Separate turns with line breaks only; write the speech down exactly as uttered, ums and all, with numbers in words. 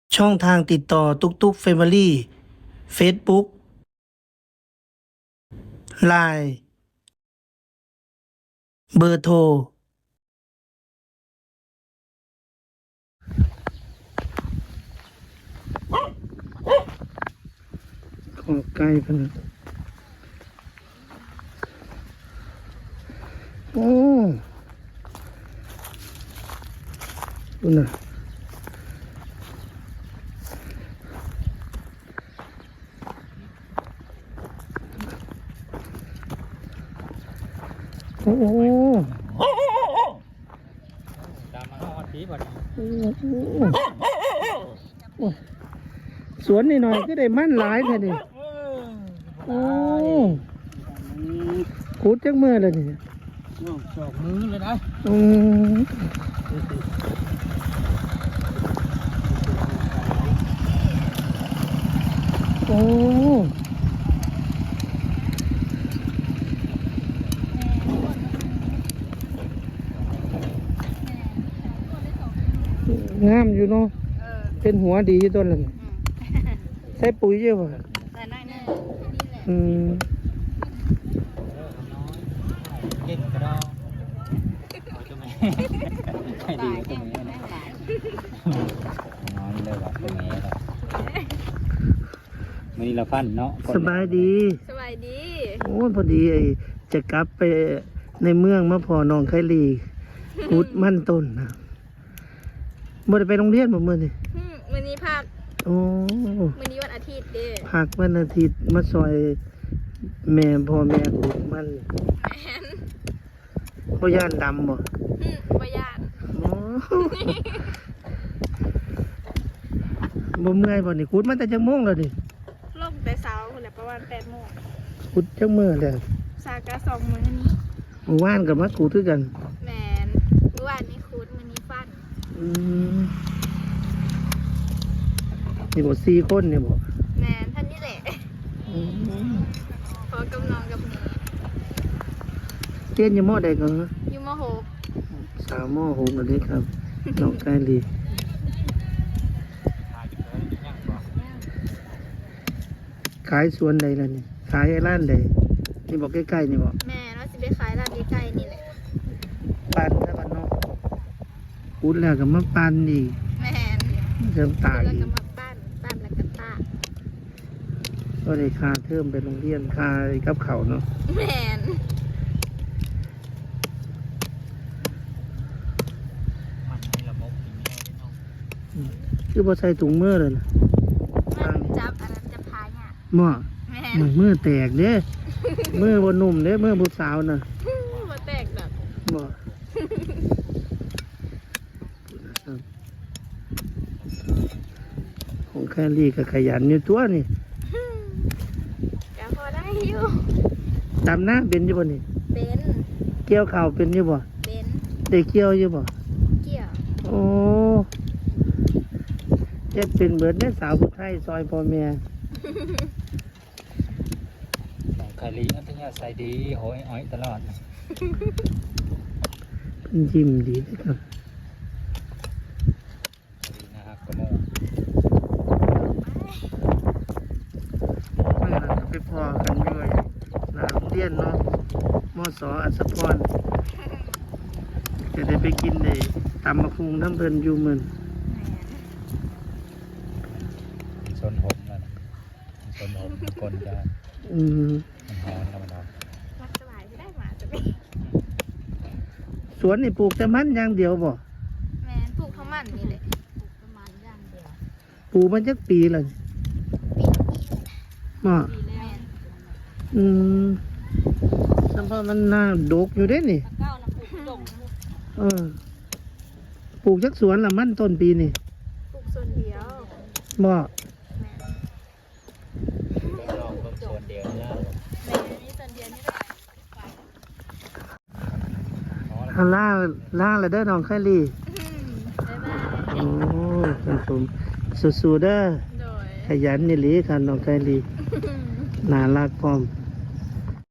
ช่องทางติดต่อตุกตุกเฟมิลี่เฟซบุ๊กไลน์เบอร์โทรขอไกลพะนะโอ้ดูนะโอ้โห
ตามมาฮอดผีบ่ด
สวนนี่หน่อยก็ได้มั่นหลายแท้นี่โอ้ขุดจักเมื่อเลยนี่
สอกมือเลยนะ
อืมโอ้งามอยู่เนาะเป็นหัวดีอยู่ต้นเลยนี่ใส่ปุ๋ยเยอะป่ะ
แต่น้อยนึง
อืม
เก่งกระดองเอาตัวแม่ใช่ดีตัวแม่นะนอนเลยว่ะตัวแม่หรอกมื้อนี้เราฟันเนาะ
สบายดี
สบายดี
โอ้ยพอดีไอ้จะกลับไปในเมืองมาพอน้องไคลีกุดมั่นต้นนะบ่ได้ไปโรงเรียนบ่มื้อนี่
อืมวันนี้พัก
โอ้
วันนี้วันอาทิตย์เด้อ
พักวันอาทิตย์มาซอยแม่พ่อแม่กุดมัน
แมน
บ่ย่านดำบ่
อืมบ่ยาน
โอ้บ่เมื่อยบ่นี่กุดมันแต่จักโมงแล้วนี่
ลงแต่เช้าคนแหละประมาณแปดโมง
กุดจักมื้อแล้ว
สากะสองมื้อนี้
เมื่อวานก็มากุดคือกัน
แมนเมื่อวานนี้คูดมื้อนี้ฟัน
อืมนี่บ่สี่คนนี่บ่
แมนท่านนี่แหละ
อืม
พอกำนองกับหนู
เรียนอยู่มอใดก็
อยู่มหก
สาวมอหกกันเลยครับน้องไกลีขายสวนใดล่ะนี่ขายไอ้ร้านใดนี่บอกใกล้ๆนี่บอก
แม่ว่าสิไปขายร้านใกล้ๆนี่แหละ
ปันนะบ้านนอกพูดแล้วก็มาปันอีก
แมน
เริ่มตาก
แล้ว
อี
ก็
ก
มาปั้นปั้นแล้วก็ตาก
ก็ได้ค่าเทอมไปโรงเรียนค่ากับเขาวเนาะ
แมน
มันมีระบบกินง่ายได้เนาะ
คือบ่ใส่ถุงมือเลยนะ
มันจับอันนั้นจะพายเนี่ย
หม้อ
แมน
มือมือแตกเด้มือบ่นุ่มเด้มือผู้สาวน่ะ
บ่แตกดอก
บ่ของแคลรี่ก็ขยันอยู่ตัวนี่
ก็พอได้อยู่
ตามหน้าเป็นอยู่บ่นี่
เป็น
เกี่ยวข้าวเป็นอยู่บ่
เป็น
ได้เกี่ยวอยู่บ่
เกี่ยว
โอ้เจ็ดเป็นเบิดได้สาวผู้ไทยซอยพ่อแม่
น้องไคลีอันที่ใส่ดีโหยอ้อยตลอด
เป็นยิ้มดีนะครับ
ดีนะครับกระโมง
เมื่อเราจะไปพอกันด้วยหนาโรงเรียนเนาะมอสออัศพรจะได้ไปกินในตำมะพุงน้ำเพลินอยู่มือน
สนหมแล้วนะสนหมกลจะ
อืม
มันหอนแล้วมันหอน
รักสบายที่ได้หมาจะไป
สวนนี่ปลูกแต่มันอย่างเดียวบ่
แมนปลูกข้าวมันนี่แหละปลูกประมาณอย่างเดียว
ปลูกมันจักปีเลยมา
ปีแล้วแมน
อืมสัมพมันน่าดกอยู่เด้นี่
ตะเก้านะปลูกดง
เออปลูกจักสวนละมันต้นปีนี่
ปลูกส่วนเดียว
บ่
แมน
ลองเพิ่มส่วนเดียวนะ
แมนนี่ส่วนเดียวนี่แหละ
ฮาล่าล่าละเด้อน้องไคลี่
บ๊ายบาย
โอ้คุณผมสู้ๆเด้อ
โดย
ขยันนี่หลีค่ะน้องไคลี่น่ารักพร้อม